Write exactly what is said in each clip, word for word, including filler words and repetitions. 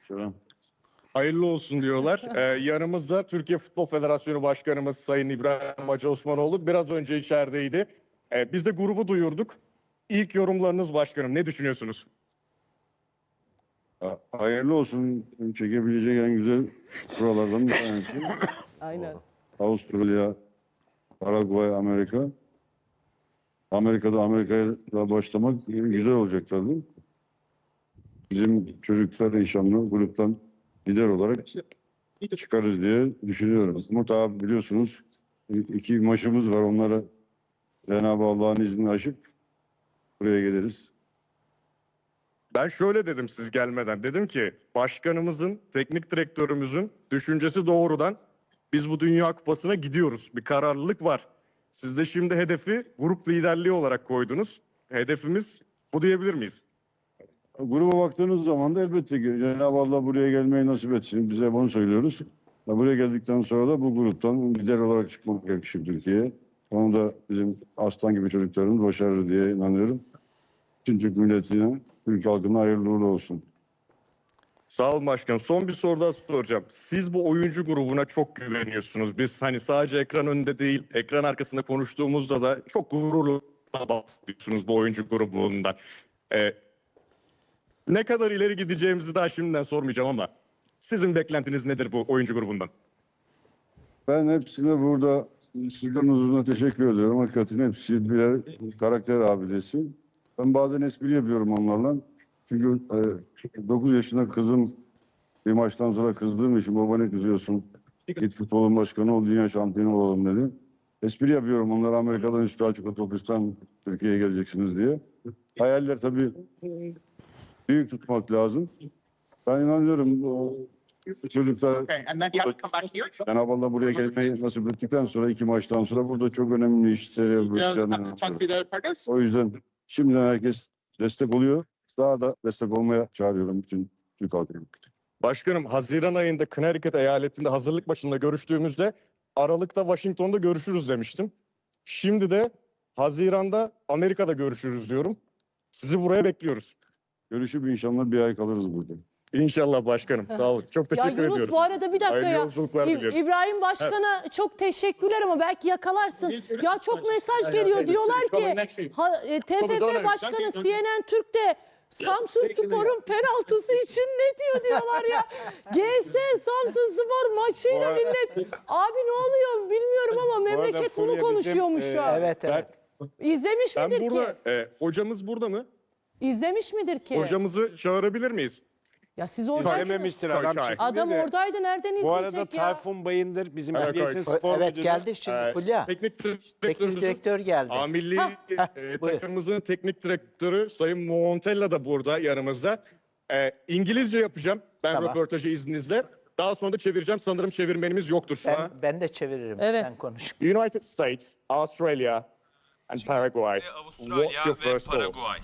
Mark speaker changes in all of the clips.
Speaker 1: Selam.
Speaker 2: Hayırlı olsun diyorlar. Ee, yanımızda Türkiye Futbol Federasyonu Başkanımız Sayın İbrahim Hacı Osmanoğlu biraz önce içerideydi. Ee, biz de grubu duyurduk. İlk yorumlarınız başkanım. Ne düşünüyorsunuz?
Speaker 1: Ha- Hayırlı olsun. Çekebileceği en güzel buralardan bir tanesi.
Speaker 3: Aynen.
Speaker 1: Avustralya, Paraguay, Amerika. Amerika'da Amerika'ya başlamak güzel olacak tabii. Bizim çocuklar inşallah gruptan lider olarak çıkarız diye düşünüyorum. Umut abi biliyorsunuz iki maçımız var. Onları Cenab-ı Allah'ın izniyle aşıp buraya geliriz.
Speaker 2: Ben şöyle dedim siz gelmeden. Dedim ki başkanımızın, teknik direktörümüzün düşüncesi doğrudan biz bu Dünya Kupası'na gidiyoruz. Bir kararlılık var. Siz de şimdi hedefi grup liderliği olarak koydunuz. Hedefimiz bu diyebilir miyiz?
Speaker 1: Gruba baktığınız zaman da elbette ki Cenab-ı Allah buraya gelmeyi nasip etsin. Bize bunu söylüyoruz. Ve buraya geldikten sonra da bu gruptan lider olarak çıkmak yakışır Türkiye'ye. Onu da bizim aslan gibi çocuklarımız başarır diye inanıyorum. Tüm Türk milletine, Türk halkına hayırlı uğurlu olsun.
Speaker 2: Sağ olun başkanım. Son bir soru daha soracağım. Siz bu oyuncu grubuna çok güveniyorsunuz. Biz hani sadece ekran önünde değil, ekran arkasında konuştuğumuzda da çok gururla bahsediyorsunuz bu oyuncu grubundan. Ee, ne kadar ileri gideceğimizi daha şimdiden sormayacağım ama sizin beklentiniz nedir bu oyuncu grubundan?
Speaker 1: Ben hepsine burada sizlerin huzuruna teşekkür ediyorum. Hakikaten hepsi birer karakter abidesi. Ben bazen espri yapıyorum onlarla. Çünkü e, dokuz yaşında kızım bir maçtan sonra kızdığım için baba ne kızıyorsun? Git futbolun başkanı ol, dünya şampiyonu olalım dedi. Espri yapıyorum. Onlar Amerika'dan üstü açık otobüsten Türkiye'ye geleceksiniz diye. Hayaller tabii büyük tutmak lazım. Ben inanıyorum o çocuklar
Speaker 4: Okay, and then you have to come back here.
Speaker 1: Cenab-ı Allah buraya gelmeyi nasip ettikten sonra iki maçtan sonra burada çok önemli işleri
Speaker 4: You just have to
Speaker 1: yapacağını.
Speaker 4: talk to the other partners.
Speaker 1: O yüzden şimdiden herkes destek oluyor. Daha da destek olmaya çağırıyorum bütün Türk halkını.
Speaker 2: Başkanım Haziran ayında Connecticut eyaletinde hazırlık maçında görüştüğümüzde Aralık'ta Washington'da görüşürüz demiştim. Şimdi de Haziran'da Amerika'da görüşürüz diyorum. Sizi buraya bekliyoruz.
Speaker 1: Görüşüp inşallah bir ay kalırız burada.
Speaker 2: İnşallah başkanım. Sağ olun. Çok
Speaker 3: Ya
Speaker 2: teşekkür
Speaker 3: Yunus
Speaker 2: ediyoruz.
Speaker 3: bu arada bir dakika
Speaker 2: Hayırlı
Speaker 3: ya.
Speaker 2: yolculuklar
Speaker 3: İb-
Speaker 2: diliyoruz.
Speaker 3: İbrahim Başkan'a çok teşekkürler ama belki yakalarsın. Ya çok mesaj geliyor. Diyorlar ki ha, e, T F F Başkanı C N N Türk'te Samsun Spor'un penaltısı için ne diyor diyorlar ya. G S Samsun Spor maçıyla millet. Abi ne oluyor bilmiyorum ama memleket bunu konuşuyormuş şu an.
Speaker 5: Evet evet.
Speaker 3: İzlemiş
Speaker 2: Ben
Speaker 3: midir
Speaker 2: burada,
Speaker 3: ki?
Speaker 2: e, hocamız burada mı?
Speaker 3: İzlemiş midir ki?
Speaker 2: Hocamızı çağırabilir miyiz?
Speaker 3: Ya siz oradaydınız.
Speaker 5: Söylememiştir adam
Speaker 2: Koç,
Speaker 5: çıktı
Speaker 3: Adam
Speaker 5: de.
Speaker 3: oradaydı nereden izleyecek
Speaker 5: Bu arada
Speaker 3: ya?
Speaker 5: Tayfun Bayındır bizim
Speaker 2: Evet,
Speaker 5: Milliyetin
Speaker 2: evet.
Speaker 5: spor
Speaker 6: Evet
Speaker 5: müdürü.
Speaker 6: geldi şimdi
Speaker 2: Ee,
Speaker 6: Fulya.
Speaker 2: Teknik
Speaker 6: Teknik
Speaker 2: direktörümüzün
Speaker 6: direktör geldi.
Speaker 2: A milli
Speaker 3: Hah,
Speaker 2: e,
Speaker 6: buyur.
Speaker 2: takımımızın teknik direktörü Sayın Montella da burada yanımızda. E, İngilizce yapacağım ben
Speaker 6: Tamam.
Speaker 2: röportajı izninizle. Daha sonra da çevireceğim. Sanırım çevirmenimiz yoktur şu an.
Speaker 6: Ben, ben de çeviririm.
Speaker 3: Evet.
Speaker 6: Sen konuş.
Speaker 2: United States, Australia and Paraguay.
Speaker 7: Ve Avustralya
Speaker 2: What's your
Speaker 7: ve
Speaker 2: first thought?
Speaker 7: Paraguay.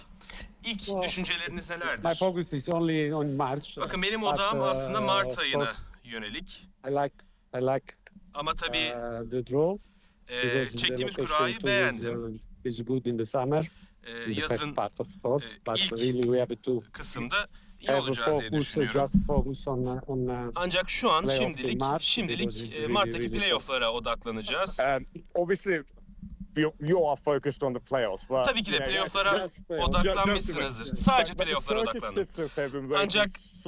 Speaker 7: İlk düşünceleriniz
Speaker 8: My
Speaker 7: nelerdir?
Speaker 8: focus is only on March.
Speaker 7: Bakın benim
Speaker 8: but,
Speaker 7: odağım
Speaker 8: uh,
Speaker 7: aslında Mart
Speaker 8: of
Speaker 7: ayına
Speaker 8: course,
Speaker 7: yönelik.
Speaker 8: I like I like
Speaker 7: Ama tabii
Speaker 8: uh, the draw
Speaker 7: e,
Speaker 8: because the
Speaker 7: çektiğimiz
Speaker 8: location
Speaker 7: kurayı
Speaker 8: too is,
Speaker 7: beğendim.
Speaker 8: uh, is good in the summer.
Speaker 7: E,
Speaker 8: In the first
Speaker 7: yazın
Speaker 8: part of course,
Speaker 7: e,
Speaker 8: but
Speaker 7: ilk
Speaker 8: really we have to
Speaker 7: kısımda iyi
Speaker 8: have a
Speaker 7: olacağız diye
Speaker 8: focus, uh,
Speaker 7: düşünüyorum.
Speaker 8: just focus on uh, on uh,
Speaker 7: Ancak şu an
Speaker 8: playoff in
Speaker 7: şimdilik
Speaker 8: March
Speaker 7: şimdilik
Speaker 8: because it's
Speaker 7: e,
Speaker 8: really,
Speaker 7: Mart'taki
Speaker 8: really
Speaker 7: playoff'lara odaklanacağız.
Speaker 2: Um, obviously you, you are focused on the playoffs. But,
Speaker 7: Tabii ki de
Speaker 2: you know,
Speaker 7: playoff'lara
Speaker 8: just playoff.
Speaker 7: odaklanmışsınızdır. Sadece playoff'lara odaklanın. Ancak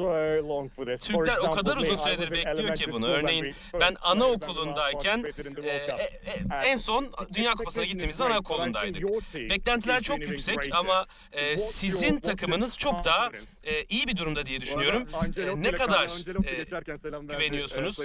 Speaker 7: Türkler o kadar uzun süredir bekliyor ki bunu. Örneğin ben anaokulundayken e, e, e, en son Dünya Kupası'na gittiğimizde anaokulundaydık. Beklentiler çok yüksek ama e, sizin takımınız çok daha e, iyi bir durumda diye düşünüyorum. E, ne kadar e, güveniyorsunuz?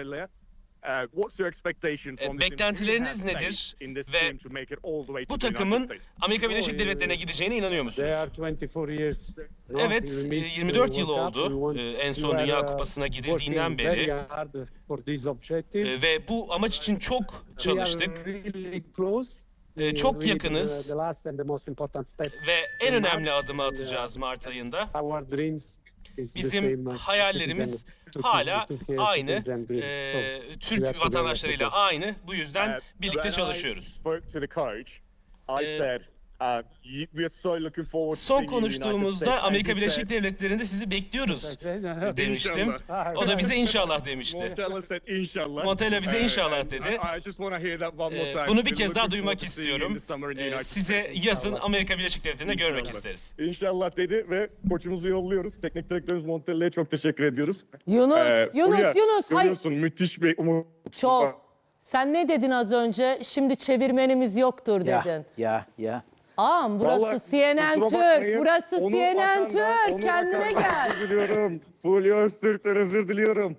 Speaker 7: E, beklentileriniz nedir ve bu takımın Amerika Birleşik Devletleri'ne gideceğine inanıyor musunuz?
Speaker 8: they are twenty-four years. no?
Speaker 7: Evet,
Speaker 8: We missed
Speaker 7: yirmi dört
Speaker 8: the
Speaker 7: yıl
Speaker 8: World Cup. We
Speaker 7: oldu
Speaker 8: want-
Speaker 7: e, en
Speaker 8: we
Speaker 7: son
Speaker 8: are,
Speaker 7: Dünya
Speaker 8: uh,
Speaker 7: Kupası'na
Speaker 8: working
Speaker 7: gidildiğinden
Speaker 8: very
Speaker 7: beri
Speaker 8: hard for this objective.
Speaker 7: e, ve bu amaç için çok
Speaker 8: We are
Speaker 7: çalıştık
Speaker 8: really close.
Speaker 7: E,
Speaker 8: We
Speaker 7: çok
Speaker 8: really,
Speaker 7: yakınız.
Speaker 8: uh, the last and the most important step.
Speaker 7: ve en önemli adımı atacağız Mart ayında.
Speaker 8: Our dreams is the
Speaker 7: Bizim
Speaker 8: same, uh,
Speaker 7: hayallerimiz
Speaker 8: citizen- Türkiye-
Speaker 7: hala
Speaker 8: Türkiye
Speaker 7: aynı,
Speaker 8: citizen dreams. So,
Speaker 7: e,
Speaker 8: we have
Speaker 7: Türk
Speaker 8: to
Speaker 7: vatandaşlarıyla
Speaker 8: develop
Speaker 7: aynı. Bu yüzden birlikte çalışıyoruz.
Speaker 2: Spoke to the coach. I
Speaker 7: Ee,
Speaker 2: said Uh, y- we are so looking forward to
Speaker 7: Son
Speaker 2: seeing you in the United
Speaker 7: konuştuğumuzda
Speaker 2: States.
Speaker 7: Amerika
Speaker 2: And he
Speaker 7: Birleşik
Speaker 2: said-
Speaker 7: Devletleri'nde sizi bekliyoruz demiştim.
Speaker 2: İnşallah.
Speaker 7: O da bize inşallah demişti.
Speaker 2: Montella said inşallah.
Speaker 7: Montella bize
Speaker 2: Uh,
Speaker 7: inşallah
Speaker 2: and
Speaker 7: dedi.
Speaker 2: I, I just want to hear that one more
Speaker 7: Ee,
Speaker 2: time.
Speaker 7: Bunu bir
Speaker 2: We're
Speaker 7: kez daha
Speaker 2: looking
Speaker 7: duymak
Speaker 2: forward to seeing you in
Speaker 7: istiyorum.
Speaker 2: the summer in the
Speaker 7: Ee,
Speaker 2: United
Speaker 7: Size
Speaker 2: States.
Speaker 7: yazın Amerika Birleşik Devletleri'nde görmek
Speaker 2: İnşallah.
Speaker 7: isteriz.
Speaker 2: İnşallah dedi ve koçumuzu yolluyoruz. Teknik direktörümüz Montella'ya çok teşekkür ediyoruz.
Speaker 3: Yunus,
Speaker 2: Ee,
Speaker 3: Yunus,
Speaker 2: Fulya,
Speaker 3: Yunus. Hayır.
Speaker 2: görüyorsun müthiş bir umut.
Speaker 3: Çok. Sen ne dedin az önce? Şimdi çevirmenimiz yoktur dedin.
Speaker 5: Ya, ya, ya.
Speaker 3: Aa, burası
Speaker 2: Vallahi
Speaker 3: C N N
Speaker 2: kusura
Speaker 3: Türk.
Speaker 2: bakmayın.
Speaker 3: Burası
Speaker 2: Onur
Speaker 3: C N N
Speaker 2: Hakan'dan,
Speaker 3: Türk.
Speaker 2: Onur
Speaker 3: Kendine
Speaker 2: Hakan'dan
Speaker 3: gel.
Speaker 2: Özür diliyorum. Fulya Öztürk'ten özür diliyorum.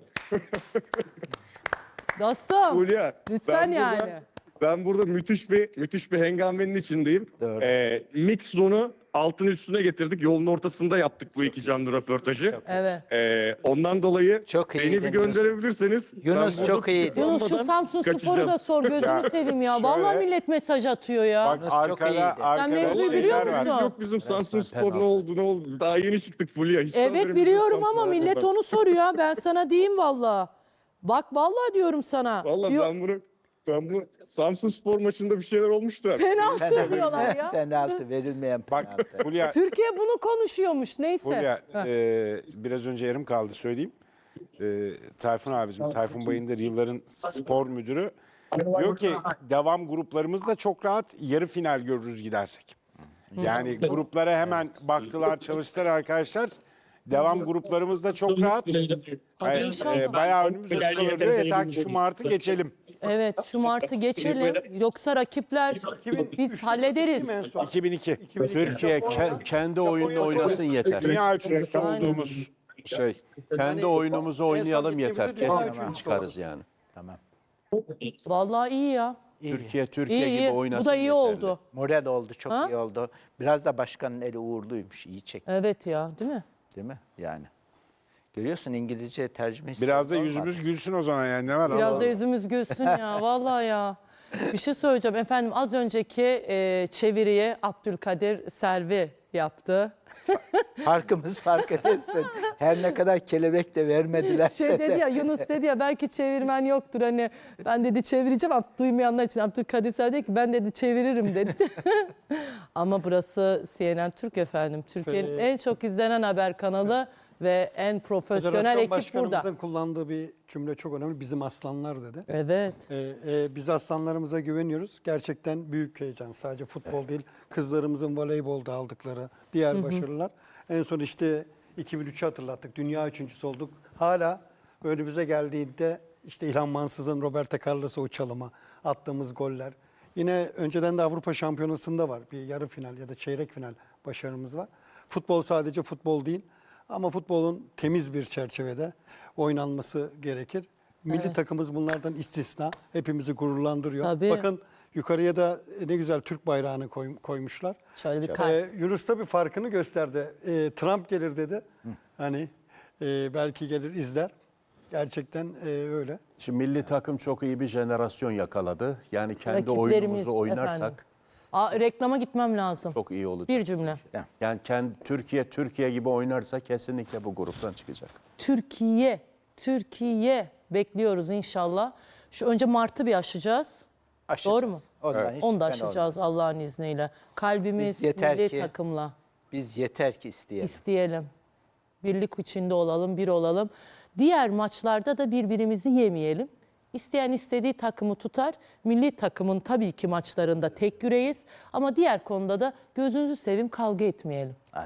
Speaker 3: Dostum.
Speaker 2: Fulya.
Speaker 3: Lütfen
Speaker 2: ben
Speaker 3: yani.
Speaker 2: Burada, ben burada müthiş bir müthiş bir hengamenin içindeyim.
Speaker 5: Doğru.
Speaker 2: Ee, mix zonu altın üstüne getirdik. Yolun ortasında yaptık bu iki canlı röportajı.
Speaker 3: Evet.
Speaker 2: Ee, ondan dolayı
Speaker 5: Çok iyi
Speaker 2: beni bir
Speaker 5: deniyorsun.
Speaker 2: gönderebilirseniz.
Speaker 5: Yunus
Speaker 2: ben
Speaker 5: çok
Speaker 2: burada
Speaker 5: iyiydi.
Speaker 3: Yunus şu
Speaker 2: tutuklanmadan
Speaker 3: Samsun Spor'u
Speaker 2: kaçacağım.
Speaker 3: da sor. Gözünü seveyim ya. Vallahi
Speaker 6: şöyle-
Speaker 3: millet mesaj atıyor ya.
Speaker 6: Bak
Speaker 5: Yunus çok
Speaker 6: arkada,
Speaker 5: iyiydi.
Speaker 6: arkada
Speaker 3: Sen mevzuyu
Speaker 2: Vallahi
Speaker 3: biliyor
Speaker 6: şeyler var.
Speaker 2: haberimiz
Speaker 3: musun?
Speaker 2: yok bizim Samsun
Speaker 6: Resmen
Speaker 2: Spor ne
Speaker 6: penaltı.
Speaker 2: oldu ne oldu. Daha yeni çıktık Fulya. Hiç
Speaker 3: Evet
Speaker 2: haberimiz yok
Speaker 3: biliyorum
Speaker 2: Samsun
Speaker 3: ama millet
Speaker 2: Spor'dan.
Speaker 3: onu soruyor. Ben sana diyeyim valla. Bak vallahi diyorum sana.
Speaker 2: Vallahi
Speaker 3: Diyor-
Speaker 2: ben bunu ben bu Samsun Spor maçında bir şeyler olmuş da.
Speaker 3: Penaltı diyorlar ya.
Speaker 5: Penaltı verilmeyen penaltı.
Speaker 6: Bak Fulya,
Speaker 3: Türkiye bunu konuşuyormuş neyse.
Speaker 6: Fulya
Speaker 3: Heh.
Speaker 6: e, biraz önce yarım kaldı söyleyeyim. E, Tayfun abicim, Tayfun Bayındır yılların spor müdürü. Diyor ki devam gruplarımızda çok rahat yarı final görürüz gidersek. Yani gruplara hemen baktılar, çalıştılar arkadaşlar. Devam gruplarımızda çok rahat. Yani,
Speaker 3: İnşallah.
Speaker 6: e, bayağı önümüz açık kalır diyor. Yeter ki şu Mart'ı geçelim.
Speaker 3: Evet şu Mart'ı geçelim. Yoksa rakipler biz hallederiz.
Speaker 6: iki bin iki.
Speaker 9: Türkiye ke- kendi oyununu oynasın yeter.
Speaker 6: Dünya üçüncüsü olduğumuz şey.
Speaker 9: Kendi oyunumuzu oynayalım yeter.
Speaker 5: Tamam.
Speaker 9: Kesin çıkarız yani.
Speaker 5: Tamam.
Speaker 3: Vallahi iyi ya.
Speaker 9: Türkiye Türkiye
Speaker 3: İyi
Speaker 9: gibi
Speaker 3: iyi.
Speaker 9: oynasın
Speaker 3: Bu da iyi
Speaker 9: yeterli.
Speaker 3: oldu.
Speaker 5: Moral oldu, çok
Speaker 3: Ha?
Speaker 5: iyi oldu. Biraz da başkanın eli uğurluymuş, iyi çekti
Speaker 3: Evet ya değil mi?
Speaker 5: değil mi? Yani. Görüyorsun İngilizce tercümesi.
Speaker 6: Biraz da
Speaker 5: olmadı.
Speaker 6: yüzümüz gülsün o zaman yani ne var?
Speaker 3: Biraz
Speaker 6: Allah
Speaker 3: da
Speaker 6: Allah.
Speaker 3: yüzümüz gülsün ya vallahi ya. Bir şey söyleyeceğim efendim az önceki e, çeviriye Abdülkadir Selvi yaptı.
Speaker 5: Farkımız fark edersin. Her ne kadar kelebek de vermedilerse
Speaker 3: Şey
Speaker 5: de.
Speaker 3: dedi ya Yunus dedi ya belki çevirmen yoktur hani ben dedi çevireceğim ama duymayanlar için Abdülkadir Selvi dedi ki ben dedi çeviririm dedi. Ama burası C N N Türk efendim. Türkiye'nin en çok izlenen haber kanalı ve en profesyonel
Speaker 10: Federasyon
Speaker 3: ekip
Speaker 10: Başkanımızın
Speaker 3: burada.
Speaker 10: kullandığı bir cümle çok önemli. Bizim aslanlar dedi.
Speaker 3: Evet.
Speaker 10: Ee, e, biz aslanlarımıza güveniyoruz. Gerçekten büyük heyecan. Sadece futbol değil, kızlarımızın voleybolda aldıkları diğer başarılar. En son işte iki bin üçü hatırlattık. Dünya üçüncüsü olduk. Hala önümüze geldiğinde işte İlhan Mansız'ın Roberto Carlos'a uçalıma attığımız goller. Yine önceden de Avrupa Şampiyonası'nda var. Bir yarı final ya da çeyrek final başarımız var. Futbol sadece futbol değil. Ama futbolun temiz bir çerçevede oynanması gerekir. Milli takımımız bunlardan istisna. Hepimizi gururlandırıyor.
Speaker 3: Tabii.
Speaker 10: Bakın yukarıya da ne güzel Türk bayrağını koy- koymuşlar.
Speaker 3: Şöyle bir
Speaker 10: Ee,
Speaker 3: kalp.
Speaker 10: Yunus da bir farkını gösterdi. Ee, Trump gelir dedi. Hani e, belki gelir izler. Gerçekten e, öyle.
Speaker 9: Şimdi milli takım çok iyi bir jenerasyon yakaladı. Yani kendi
Speaker 3: Rakiplerimiz
Speaker 9: oyunumuzu oynarsak
Speaker 3: efendim. Aa, reklama gitmem lazım.
Speaker 9: çok iyi olacak.
Speaker 3: Bir cümle.
Speaker 9: Yani kendi Türkiye Türkiye gibi oynarsa kesinlikle bu gruptan çıkacak.
Speaker 3: Türkiye, Türkiye bekliyoruz inşallah. Şu önce Mart'ı bir aşacağız.
Speaker 5: Aşacağız.
Speaker 3: Doğru mu?
Speaker 5: Ondan hiç
Speaker 3: Onu da
Speaker 5: şüphen
Speaker 3: aşacağız
Speaker 5: olmaz.
Speaker 3: Allah'ın izniyle. Kalbimiz
Speaker 5: Biz yeter
Speaker 3: milli
Speaker 5: ki-
Speaker 3: takımla
Speaker 5: Biz yeter ki isteyelim.
Speaker 3: isteyelim. Birlik içinde olalım, bir olalım. Diğer maçlarda da birbirimizi yemeyelim. İsteyen istediği takımı tutar. Milli takımın tabii ki maçlarında tek yüreğiz. Ama diğer konuda da gözünüzü seveyim kavga etmeyelim.